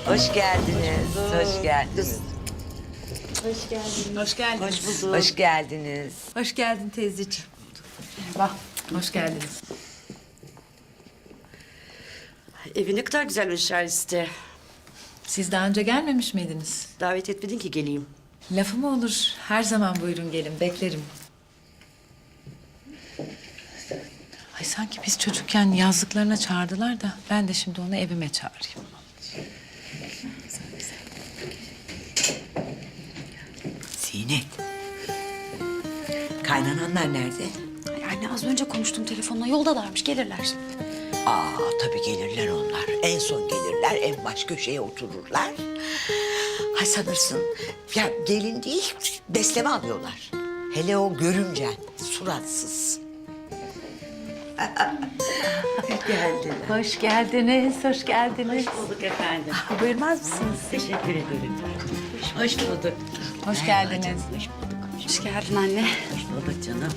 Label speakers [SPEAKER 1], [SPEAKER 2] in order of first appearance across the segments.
[SPEAKER 1] Hoş geldiniz. Hoş geldiniz.
[SPEAKER 2] Hoş geldin.
[SPEAKER 1] Hoş bulduk. Hoş geldiniz.
[SPEAKER 2] Hoş geldin teyzeciğim. Bak, hoş geldiniz.
[SPEAKER 3] Evi ne kadar güzel Şahiste.
[SPEAKER 2] Siz daha önce gelmemiş miydiniz?
[SPEAKER 3] Davet etmedin ki geleyim.
[SPEAKER 2] Lafı mı olur? Her zaman buyurun gelin, beklerim. Ay sanki biz çocukken yazlıklarına çağırdılar da ben de şimdi onu evime çağırayım.
[SPEAKER 1] Zinet. Kaynananlar nerede?
[SPEAKER 4] Yani az önce konuştum telefonla. Yoldalarmış, gelirler.
[SPEAKER 1] Aa tabii gelirler onlar. En son gelirler, en baş köşeye otururlar. Hay sanırsın ya gelin değil, besleme alıyorlar. Hele o görümcen, suratsız. Geldiler.
[SPEAKER 2] Hoş geldiniz, hoş geldiniz.
[SPEAKER 3] Bulduk efendim.
[SPEAKER 2] Buyurmaz mısınız?
[SPEAKER 3] Teşekkür ederim. Hoş bulduk.
[SPEAKER 2] Hoş geldiniz.
[SPEAKER 4] Hoş geldin anne.
[SPEAKER 3] Hoş bulduk canım.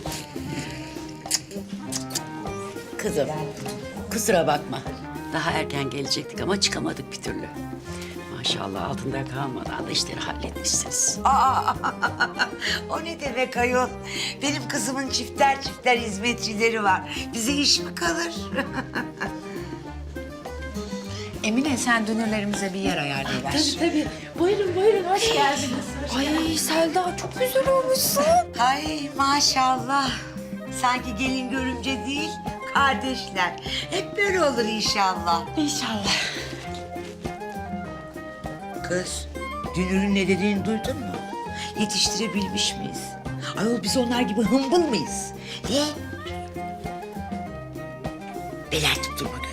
[SPEAKER 3] Kızım, kusura bakma. Daha erken gelecektik ama çıkamadık bir türlü. Maşallah altında kalmadan da işleri halletmişsiniz.
[SPEAKER 1] O ne demek ayol? Benim kızımın çifter çifter hizmetçileri var. Bize iş mi kalır?
[SPEAKER 2] Emine sen dünürlerimize bir yer ayarlayıver.
[SPEAKER 4] Tabii. Buyurun, hoş geldiniz. Ay Selda, çok güzel olmuşsun.
[SPEAKER 1] Ay maşallah. Sanki gelin görümce değil, kardeşler. Hep böyle olur inşallah.
[SPEAKER 4] İnşallah.
[SPEAKER 1] Kız, Dünür'ün ne dediğini duydun mu? Yetiştirebilmiş miyiz? Ayol biz onlar gibi hımbıl mıyız? Niye? Bela tutturma